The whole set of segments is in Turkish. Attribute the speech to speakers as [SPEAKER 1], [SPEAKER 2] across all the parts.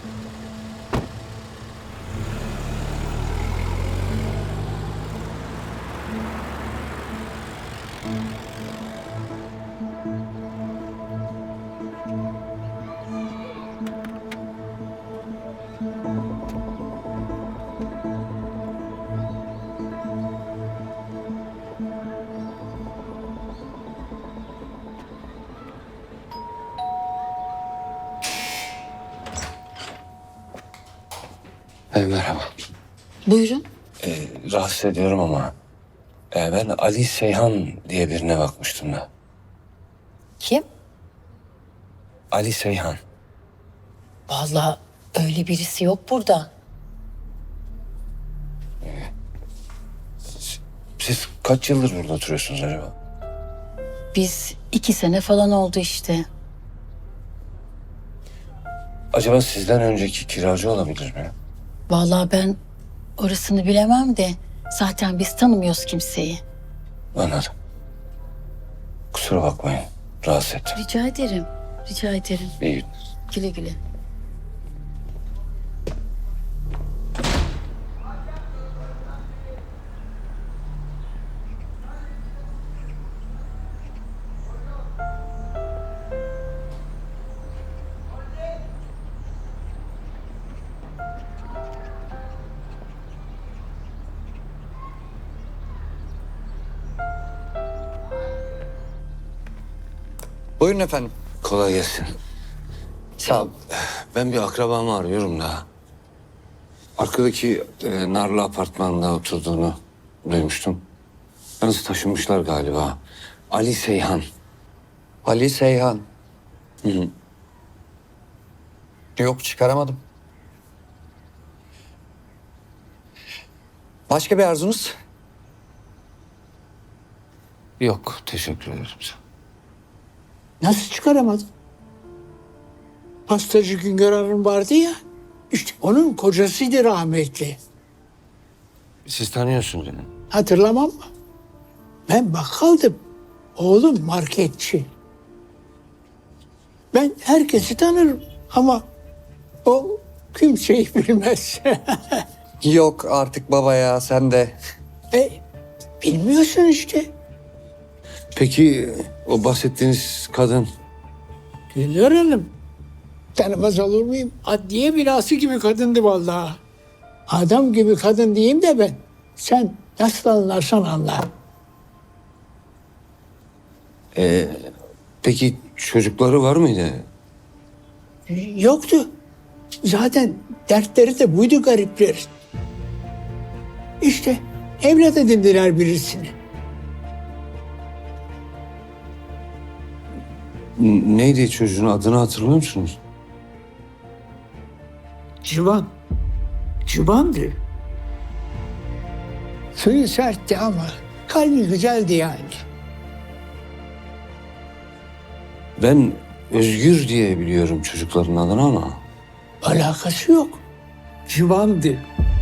[SPEAKER 1] Merhaba.
[SPEAKER 2] Buyurun.
[SPEAKER 1] Rahatsız ediyorum ama ben Ali Seyhan diye birine bakmıştım da.
[SPEAKER 2] Kim?
[SPEAKER 1] Ali Seyhan.
[SPEAKER 2] Vallahi öyle birisi yok burada.
[SPEAKER 1] Siz kaç yıldır burada oturuyorsunuz acaba?
[SPEAKER 2] Biz 2 sene falan oldu işte.
[SPEAKER 1] Acaba sizden önceki kiracı olabilir mi?
[SPEAKER 2] Vallahi ben orasını bilemem de zaten biz tanımıyoruz kimseyi.
[SPEAKER 1] Anladım. Kusura bakmayın. Rahatsız ettim.
[SPEAKER 2] Rica ederim. Rica ederim.
[SPEAKER 1] İyi günler.
[SPEAKER 2] Güle güle.
[SPEAKER 3] Buyurun efendim.
[SPEAKER 1] Kolay gelsin.
[SPEAKER 3] Sağ ol.
[SPEAKER 1] Ben bir akrabamı arıyorum da. Arkadaki Narlı apartmanda oturduğunu duymuştum. Yalnız taşınmışlar galiba. Ali Seyhan.
[SPEAKER 3] Ali Seyhan.
[SPEAKER 1] Hı hı.
[SPEAKER 3] Yok, çıkaramadım. Başka bir arzunuz?
[SPEAKER 1] Yok, teşekkür ederim.
[SPEAKER 4] Nasıl çıkaramadın? Pastacı Güngör Hanım vardı ya. İşte onun kocasıydı rahmetli.
[SPEAKER 1] Siz tanıyorsunuz beni.
[SPEAKER 4] Hatırlamam mı? Ben bakkaldım. Oğlum marketçi. Ben herkesi tanırım ama o kimseyi bilmez.
[SPEAKER 3] Yok artık baba ya, sen de.
[SPEAKER 4] Bilmiyorsun işte.
[SPEAKER 1] Peki o bahsettiğiniz kadın
[SPEAKER 4] Güngör Hanım. Tanımaz olur muyum? Adliye binası gibi kadındı vallahi. Adam gibi kadın diyeyim de ben. Sen nasıl anlarsan anla.
[SPEAKER 1] peki çocukları var mıydı?
[SPEAKER 4] Yoktu. Zaten dertleri de buydu gariplerin. İşte evlat edindiler birisini.
[SPEAKER 1] Neydi çocuğun adını hatırlıyor musunuz?
[SPEAKER 4] Civan. Civandı. Suyu sertti ama kalbi güzeldi yani.
[SPEAKER 1] Ben Özgür diye biliyorum çocukların adını ama.
[SPEAKER 4] Alakası yok. Civandı.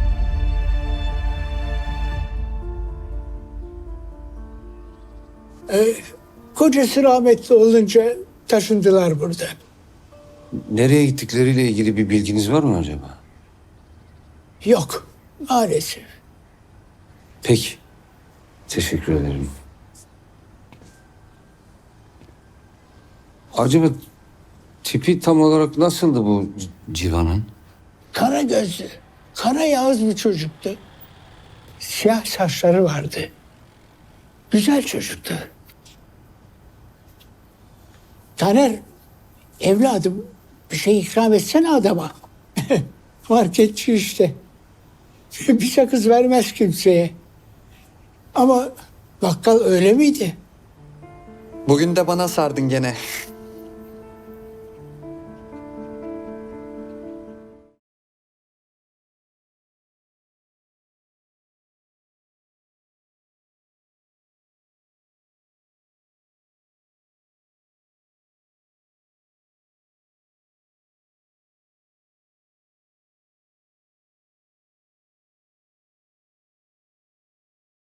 [SPEAKER 4] Kocası rahmetli olunca taşındılar buradan.
[SPEAKER 1] Nereye gittikleriyle ilgili bir bilginiz var mı acaba?
[SPEAKER 4] Yok maalesef.
[SPEAKER 1] Peki. Teşekkür ederim. Acaba tipi tam olarak nasıldı bu Civan'ın?
[SPEAKER 4] Kara gözlü, kara yağız bir çocuktu. Siyah saçları vardı. Güzel çocuktu. Taner, evladım bir şey ikram etsene adama. Marketçi işte. Bir sakız vermez kimseye. Ama bakkal öyle miydi?
[SPEAKER 3] Bugün de bana sardın gene.